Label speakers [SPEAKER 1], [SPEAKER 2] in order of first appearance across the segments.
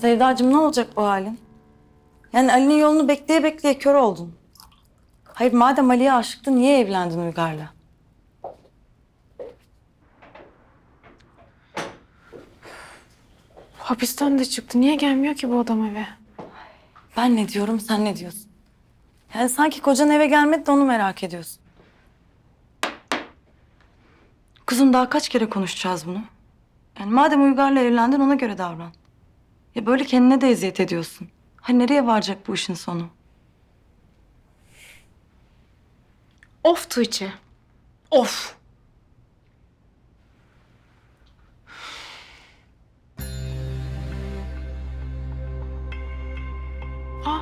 [SPEAKER 1] Sevdacığım, ne olacak bu halin? Yani Ali'nin yolunu bekleye bekleye kör oldun. Hayır, madem Ali'ye aşıktın niye evlendin Uygar'la?
[SPEAKER 2] Hapisten de çıktı. Niye gelmiyor ki bu adam eve?
[SPEAKER 1] Ben ne diyorum, sen ne diyorsun? Yani sanki kocan eve gelmedi de onu merak ediyorsun. Kızım, daha kaç kere konuşacağız bunu? Yani madem Uygar'la evlendin, ona göre davran. Ya böyle kendine de eziyet ediyorsun. Ha, nereye varacak bu işin sonu?
[SPEAKER 2] Of Tuğçe. Of. Aa,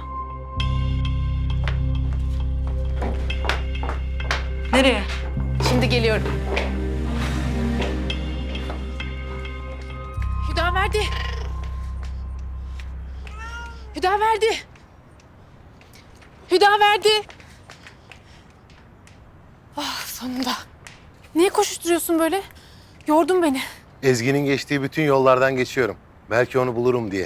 [SPEAKER 1] Nereye?
[SPEAKER 2] şimdi geliyorum. Hüdaverdi. Hüdaverdi. Hüdaverdi. Ah, sonunda. Niye koşuşturuyorsun böyle? Yordun beni.
[SPEAKER 3] Ezgi'nin geçtiği bütün yollardan geçiyorum. Belki onu bulurum diye.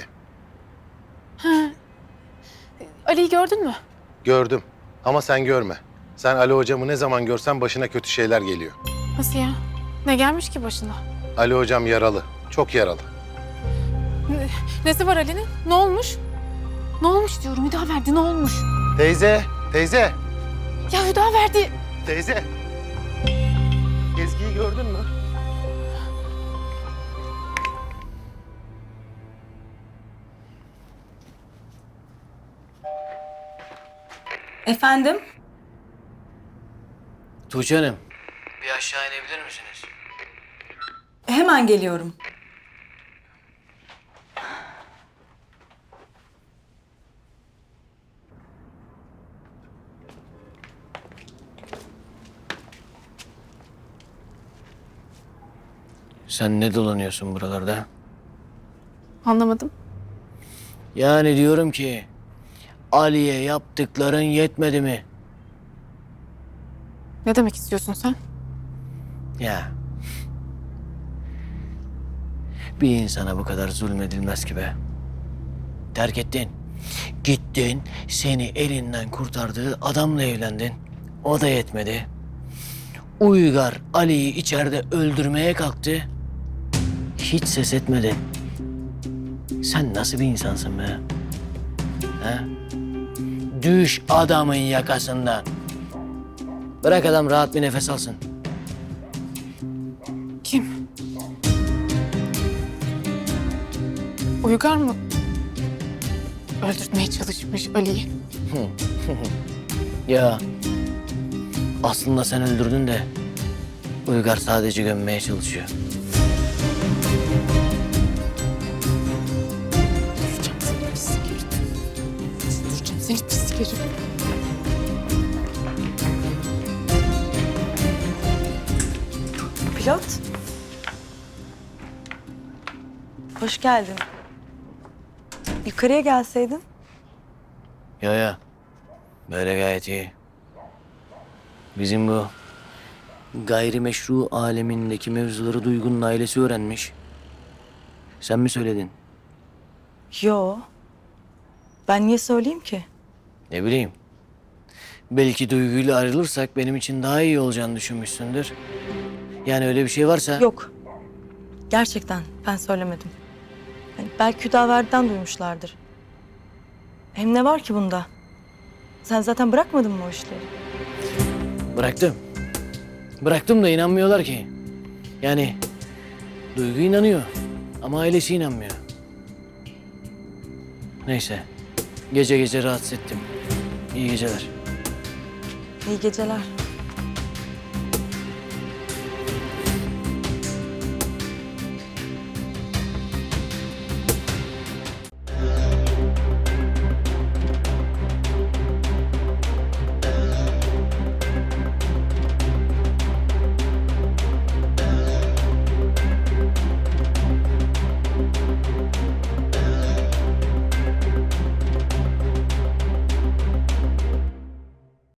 [SPEAKER 2] Ali'yi gördün mü?
[SPEAKER 3] Gördüm ama sen görme. Sen Ali hocamı ne zaman görsen başına kötü şeyler geliyor.
[SPEAKER 2] Nasıl ya? Ne gelmiş ki başına?
[SPEAKER 3] Ali hocam yaralı, çok yaralı.
[SPEAKER 2] Nesi var Ali'nin? Ne olmuş? Ne olmuş diyorum Hüdaverdi, ne olmuş?
[SPEAKER 3] Teyze, teyze,
[SPEAKER 2] Ya Hüdaverdi.
[SPEAKER 3] teyze. Ezgi'yi gördün mü?
[SPEAKER 1] Efendim?
[SPEAKER 4] Tuğçe Hanım, bir aşağı inebilir misiniz?
[SPEAKER 1] Hemen geliyorum.
[SPEAKER 4] Sen ne dolanıyorsun buralarda?
[SPEAKER 2] Anlamadım.
[SPEAKER 4] Yani diyorum ki, Ali'ye yaptıkların yetmedi mi?
[SPEAKER 2] Ne demek istiyorsun sen?
[SPEAKER 4] Ya. Bir insana bu kadar zulmedilmez ki be. Terk ettin. Gittin, seni elinden kurtardığı adamla evlendin. O da yetmedi. Uygar Ali'yi içeride öldürmeye kalktı. Hiç ses etmedin. Sen nasıl bir insansın be? Ha? Düş adamın yakasından. Bırak adam rahat bir nefes alsın.
[SPEAKER 2] Kim? Uygar mı? Öldürtmeye çalışmış Ali'yi.
[SPEAKER 4] Ya aslında sen öldürdün de Uygar sadece gömmeye çalışıyor.
[SPEAKER 2] Öldüreceğim seni pislik herif. Öldüreceğim seni pislik herif.
[SPEAKER 1] Pilot. Hoş geldin. Yukarıya gelseydin.
[SPEAKER 4] Ya böyle gayet iyi. Bizim bu gayrimeşru alemindeki mevzuları Duygu'nun ailesi öğrenmiş. Sen mi söyledin?
[SPEAKER 1] Yo. Ben niye söyleyeyim ki?
[SPEAKER 4] Ne bileyim. Belki Duygu'yla ayrılırsak benim için daha iyi olacağını düşünmüşsündür. Yani öyle bir şey varsa...
[SPEAKER 1] Yok. Gerçekten ben söylemedim. Yani belki Hüdaverdi'den duymuşlardır. Hem ne var ki bunda? Sen zaten bırakmadın mı o işleri?
[SPEAKER 4] Bıraktım. Bıraktım da inanmıyorlar ki. Yani Duygu inanıyor ama ailesi inanmıyor. Neyse. Gece gece rahatsız ettim. İyi geceler.
[SPEAKER 1] İyi geceler.